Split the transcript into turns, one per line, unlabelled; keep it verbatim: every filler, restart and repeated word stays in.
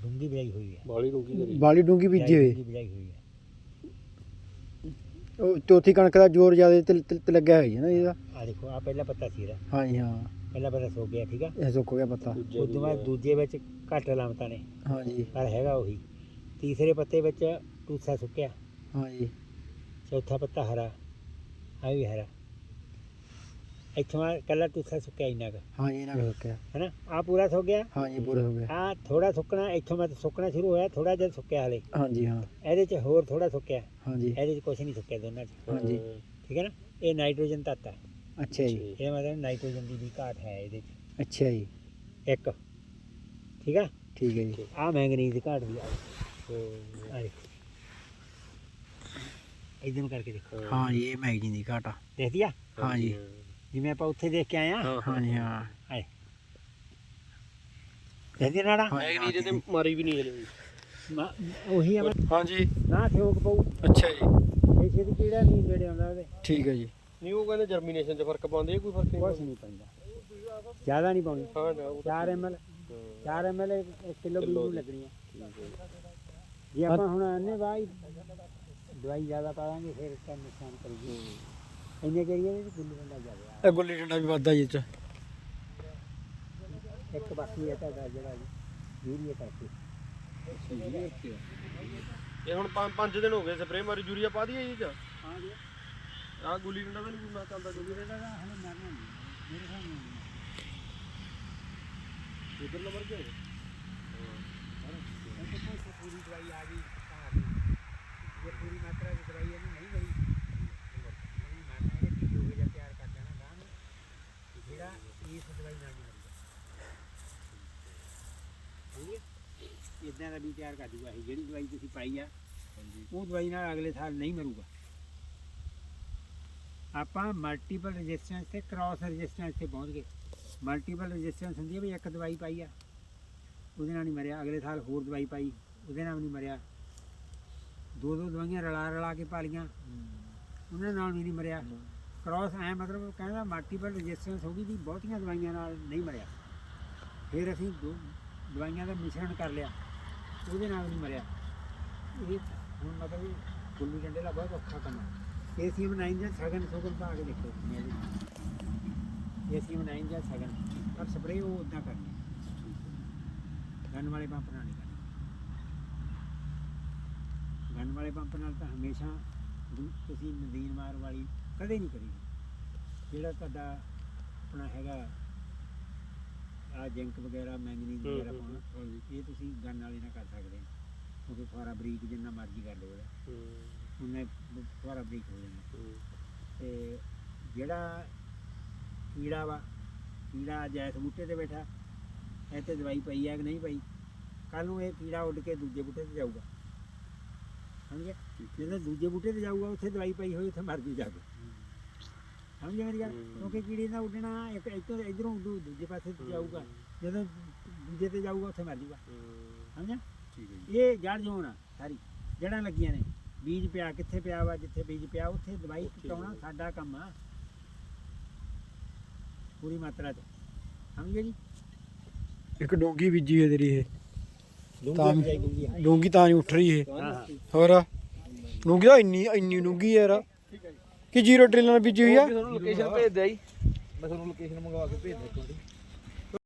ਡੂੰਗੀ ਬਿਜਾਈ ਹੋਈ ਹੈ,
ਬਾਲੀ ਡੂੰਗੀ ਕਰੀ
ਬਾਲੀ ਡੂੰਗੀ ਬੀਜੀ ਹੋਈ।
ਬਿਜਾਈ ਹੋਈ ਹੈ।
ਉਹ ਚੌਥੀ ਕਣਕ ਦਾ ਜ਼ੋਰ ਜ਼ਿਆਦਾ ਤੇ ਤੇ- ਤੇ ਲੱਗਿਆ ਹੋਈ ਹੈ ਨਾ ਇਹਦਾ।
ਆ ਦੇਖੋ ਆ ਪਹਿਲਾ ਪੱਤਾ ਸੀ ਇਹਦਾ,
ਹਾਂਜੀ ਹਾਂ,
ਪਹਿਲਾ ਪੱਤਾ ਸੁੱਕ ਗਿਆ ਠੀਕ ਆ।
ਇਹ ਸੁੱਕ ਗਿਆ ਪੱਤਾ।
ਉਸ ਤੋਂ ਬਾਅਦ ਦੂਜੇ ਵਿੱਚ ਘੱਟ ਲਾਮਤਾਂ ਨੇ
ਹਾਂਜੀ
ਪਰ ਹੈਗਾ ਉਹੀ। ਤੀਸਰੇ ਪੱਤੇ ਵਿੱਚ ਟੂਸਾ ਸੁੱਕਿਆ,
ਹਾਂਜੀ
ਚੌਥਾ ਪੱਤਾ ਹਰਾ, ਆ ਵੀ ਹਰਾ। ਇੱਥੋਂ ਆ ਕੱਲਾ ਟੂਸਾ ਸੁੱਕਿਆ ਇੰਨਾ ਕੁ
ਹਾਂਜੀ ਇਹਨਾਂ ਦਾ ਸੁੱਕਿਆ।
ਹੈ ਨਾ। ਆ ਪੂਰਾ ਸੁੱਕ ਗਿਆ,
ਹਾਂਜੀ ਪੂਰਾ ਹੋ ਗਿਆ।
ਆ ਥੋੜਾ ਸੁੱਕਣਾ ਇੱਥੋਂ ਮਤ ਸੁੱਕਣਾ ਸ਼ੁਰੂ ਹੋਇਆ, ਥੋੜਾ ਜਿਹਾ ਸੁੱਕਿਆ ਹਲੇ।
ਹਾਂਜੀ ਹਾਂ
ਇਹਦੇ 'ਚ ਹੋਰ ਥੋੜਾ ਸੁੱਕਿਆ,
ਹਾਂਜੀ
ਇਹਦੇ 'ਚ ਕੁਛ ਨਹੀਂ ਸੁੱਕਿਆ ਦੋਨਾਂ 'ਚ।
ਹਾਂਜੀ
ਠੀਕ ਹੈ ਨਾ। ਇਹ ਨਾਈਟ੍ਰੋਜਨ ਤੱਤ ਹੈ,
ਅੱਛਾ ਜੀ
ਇਹ ਮਤਲਬ ਨਾਈਟ੍ਰੋਜਨ ਦੀ ਵੀ ਘਾਟ ਹੈ ਇਹਦੇ 'ਚ
ਅੱਛਾ ਜੀ
ਇੱਕ। ਠੀਕ ਆ।
ਠੀਕ ਹੈ ਜੀ।
ਆ ਮੈਂਗਨੀਜ਼ ਦੀ ਘਾਟ ਵੀ ਆ ਆ ਦੇਖੋ, ਇਦਾਂ ਨੂੰ ਕਰਕੇ ਦੇਖੋ,
ਹਾਂ ਜੀ ਇਹ ਮੈਗਨੀ ਦੀ ਘਾਟਾ।
ਦੇਖਦੀ ਆ
ਹਾਂਜੀ
ਜਿਵੇਂ ਆਪਾਂ ਉੱਥੇ ਦੇਖ ਕੇ ਆਏ ਆ।
ਹਾਂਜੀ ਹਾਂ
ਆਏ ਦੇਖਦੀ ਆ ਨਾੜਾ
ਮੈਗਨੀ ਤੇ ਮਾਰੀ ਵੀ ਨਹੀਂ ਹਲੇ।
ਮਾ- ਉਹੀ ਆ ਮੈਂ-
ਹਾਂਜੀ
ਨਾ ਥੋਕ ਪਊ
ਅੱਛਾ ਜੀ
ਇਹ ਛੇਤੀ ਕੀੜਾ ਨਹੀਂ ਨੇੜੇ ਆਉਂਦਾ ਉਹਦੇ,
ਠੀਕ ਹੈ ਜੀ।
ਨਹੀਂ ਉਹ ਕਹਿੰਦੇ ਜਰਮੀਨੇਸ਼ਨ 'ਚ ਫਰਕ ਪਾਉਂਦੇ, ਕੋਈ ਫਰਕ ਨਹੀਂ
ਕੁਛ ਨਹੀਂ ਪੈਂਦਾ, ਜ਼ਿਆਦਾ ਨਹੀਂ ਪਾਉਣੀ।
ਹਾਂ ਨਾ ਉਹ
ਚਾਰ ਐਮ ਐਲ ਚਾਰ ਐਮ ਐਲ ਇੱਕ ਕਿਲੋ ਬੀਜ ਨੂੰ ਲੱਗਣੀ ਹੈ। ਜੇ ਆਪਾਂ ਹੁਣ ਅੰਨੇ ਬਾਈ ਦਵਾਈ ਜ਼ਿਆਦਾ ਪਾ ਦਾਂਗੇ ਫਿਰ ਤਾਂ ਨੁਕਸਾਨ ਕਰੂਗੀ। ਇੰਨੇ ਕਰੀਏ ਵੀ ਗੁੱਲੀ ਡੰਡਾ ਜ਼ਿਆਦਾ
ਇਹ ਗੁੱਲੀ ਡੰਡਾ ਵੀ ਵੱਧਦਾ ਜੀ ਇਹ 'ਚ।
ਇੱਕ ਬਾਕੀ ਹੈ ਤੁਹਾਡਾ ਜਿਹੜਾ ਯੂਰੀਆ ਕਰਕੇ।
ਇਹ ਹੁਣ ਪੰਜ ਪੰਜ ਦਿਨ ਹੋ ਗਏ ਸਪਰੇ ਮਾਰੀ, ਯੂਰੀਆ ਪਾ ਦਈਏ ਜੀ ਚ।
ਹਾਂ ਜੀ
ਆਹ ਗੁੱਲੀ ਡੰਡਾ ਤਾਂ ਨਹੀਂ ਕੋਈ ਮੈਂ ਚੱਲਦਾ ਗੁੱਲੀ
ਇਹਦਾ ਤਾਂ ਹਲੇ ਮਰਨਾ ਨਹੀਂ ਮੇਰੇ ਹਿਸਾਬ ਨਾਲ।
ਇਧਰ ਨੰਬਰ ਕੇ
ਪੂਰੀ ਦਵਾਈ ਆ ਗਈ ਘਰ ਦੀ, ਜੇ ਪੂਰੀ ਮਾਤਰਾ ਦੀ ਦਵਾਈ ਇਹਨੂੰ ਨਹੀਂ ਮਿਲੀ ਉਹਨੂੰ ਮਾਰਨਾ, ਇਹਨੇ ਕੀ ਹੋ ਗਿਆ ਤਿਆਰ ਕਰ ਦੇਣਾ ਗਾਂ ਨੂੰ, ਜਿਹੜਾ ਇਸ ਦਵਾਈ ਨਾਲ ਨਹੀਂ ਮਰੂਗਾ। ਠੀਕ ਹੈ, ਇਦਾਂ ਦਾ ਵੀ ਤਿਆਰ ਕਰ ਦੂਗਾ ਇਹ ਜਿਹੜੀ ਦਵਾਈ ਤੁਸੀਂ ਪਾਈ ਆ, ਉਹ ਦਵਾਈ ਨਾਲ ਅਗਲੇ ਸਾਲ ਨਹੀਂ ਮਰੂਗਾ। ਆਪਾਂ ਮਲਟੀਪਲ ਰੈਜ਼ਿਸਟੈਂਸ ਤੇ ਕ੍ਰਾਸ ਰੈਜ਼ਿਸਟੈਂਸ ਤੇ ਪਹੁੰਚ ਗਏ। ਮਲਟੀਪਲ ਰੈਜ਼ਿਸਟੈਂਸ ਹੁੰਦੀ ਹੈ ਵੀ ਇੱਕ ਦਵਾਈ ਪਾਈ ਆ ਉਹਦੇ ਨਾਲ ਨਹੀਂ ਮਰਿਆ, ਅਗਲੇ ਸਾਲ ਹੋਰ ਦਵਾਈ ਪਾਈ ਉਹਦੇ ਨਾਲ ਵੀ ਨਹੀਂ ਮਰਿਆ, ਦੋ ਦੋ ਦਵਾਈਆਂ ਰਲਾ ਰਲਾ ਕੇ ਪਾ ਲਈਆਂ ਉਹਨਾਂ ਨਾਲ ਵੀ ਨਹੀਂ ਮਰਿਆ। ਕ੍ਰਾਸ ਐ ਮਤਲਬ ਕਹਿੰਦਾ ਮਲਟੀਪਲ ਰੈਜ਼ਿਸਟੈਂਸ ਹੋ ਗਈ ਵੀ ਬਹੁਤੀਆਂ ਦਵਾਈਆਂ ਨਾਲ ਨਹੀਂ ਮਰਿਆ। ਫਿਰ ਅਸੀਂ ਦੋ ਦਵਾਈਆਂ ਦਾ ਮਿਸ਼ਰਣ ਕਰ ਲਿਆ, ਉਹਦੇ ਨਾਲ ਨਹੀਂ ਮਰਿਆ। ਇਹ ਹੁਣ ਮਤਲਬ ਗੁੱਲੀ ਡੰਡੇ ਦਾ ਬਹੁਤ ਔਖਾ ਕੰਮ ਹੈ। ਏ ਸੀ ਐਮ ਨਾਈਨ ਜਾਂ ਸਗਨ ਸਗਨ ਪਾ ਕੇ ਦੇਖੋ, ਏ ਸੀ ਐਮ ਨਾਈਨ ਜਾਂ ਸਗਨ, ਪਰ ਸਪਰੇਅ ਉਹ ਉੱਦਾਂ ਕਰਨੀ ਗਨ ਵਾਲੇ ਪੰਪ ਨਾਲ ਨਹੀਂ ਕਰਨੀ। ਗਨ ਵਾਲੇ ਪੰਪ ਨਾਲ ਤਾਂ ਹਮੇਸ਼ਾ ਦੂ- ਤੁਸੀਂ ਨਦੀਨ ਮਾਰ ਵਾਲੀ ਕਦੇ ਨਹੀਂ ਕਰੀ। ਜਿਹੜਾ ਤੁਹਾਡਾ ਆਪਣਾ ਹੈਗਾ ਆ ਜਿੰਕ ਵਗੈਰਾ ਮੈਂਗਨੀਜ਼ ਵਗੈਰਾ ਪਾਉਣਾ, ਇਹ ਤੁਸੀਂ ਗਨ ਵਾਲੇ ਨਾਲ ਕਰ ਸਕਦੇ ਹੋ, ਕਿਉਂਕਿ ਫੁਆਰਾ ਬਰੀਕ ਜਿੰਨਾ ਮਰਜ਼ੀ ਕਰ ਲਓ ਉਹਦਾ, ਉਹਨੇ ਫੁਆਰਾ ਬਰੀਕ ਹੋ ਜਾਣਾ। ਤੇ ਜਿਹੜਾ ਕੀੜਾ ਵਾ, ਕੀੜਾ ਜੈਸ ਬੂਟੇ ਤੇ ਬੈਠਾ, ਇਹ ਤੇ ਦਵਾਈ ਪਈ ਹੈ ਕਿ ਨਹੀਂ ਪਈ, ਕੱਲ ਨੂੰ ਇਹ ਕੀੜਾ ਉੱਡ ਕੇ ਦੂਜੇ ਬੂਟੇ ਤੇ ਜਾਊਗਾ। ਸਮਝਿਆ, ਜਦੋਂ ਦੂਜੇ ਬੂਟੇ ਤੇ ਜਾਊਗਾ ਉੱਥੇ ਦਵਾਈ ਪਈ ਹੋਈ ਉੱਥੇ ਮਰ ਜੂ ਜਾ ਕੇ। ਸਮਝਿਆ ਮੇਰੀ ਗੱਲ, ਕਿਉਂਕਿ ਕੀੜੇ ਦਾ ਉੱਡਣਾ ਇੱਕ ਇੱਧਰ ਇੱਧਰੋਂ ਦੂ ਦੂਜੇ ਪਾਸੇ ਤੇ ਜਾਊਗਾ, ਜਦੋਂ ਦੂਜੇ ਤੇ ਜਾਊਗਾ ਉੱਥੇ ਮਰ ਜੂਗਾ। ਸਮਝਿਆ, ਇਹ ਜੜ ਜੋਨ ਆ ਸਾਰੀ, ਜੜਾਂ ਲੱਗੀਆਂ ਨੇ, ਬੀਜ ਪਿਆ ਕਿੱਥੇ ਪਿਆ ਵਾ, ਜਿੱਥੇ ਬੀਜ ਪਿਆ ਉੱਥੇ ਦਵਾਈ ਪਹੁੰਚਾਉਣਾ ਸਾਡਾ ਕੰਮ ਆ ਪੂਰੀ ਮਾਤਰਾ 'ਚ। ਸਮਝਿਆ ਜੀ।
ਇੱਕ ਡੋਂਗੀ ਬੀਜੀ ਹੈ ਤੇਰੀ ਇਹ, ਤਾਂ
ਡੂੰਘੀ ਡੂੰਘੀ ਹਾਂ
ਡੋਂਗੀ ਤਾਂ ਨਹੀਂ ਉੱਠ ਰਹੀ ਇਹ।
ਹਾਂ
ਹੋਰ ਡੋਂਗੀ ਤਾਂ ਇੰਨੀ ਇੰਨੀ ਡੂੰਗੀ ਯਾਰ, ਕਿ ਜੀਰੋ ਡਰਿਲ ਨਾਲ ਬੀਜੀ ਹੋਈ ਆ।
ਤੁਹਾਨੂੰ ਲੋਕੇਸ਼ਨ ਭੇਜ ਦਿਆ ਜੀ, ਮੈਂ ਤੁਹਾਨੂੰ ਲੋਕੇਸ਼ਨ ਮੰਗਵਾ ਕੇ ਭੇਜ ਦਿੰਦਾ।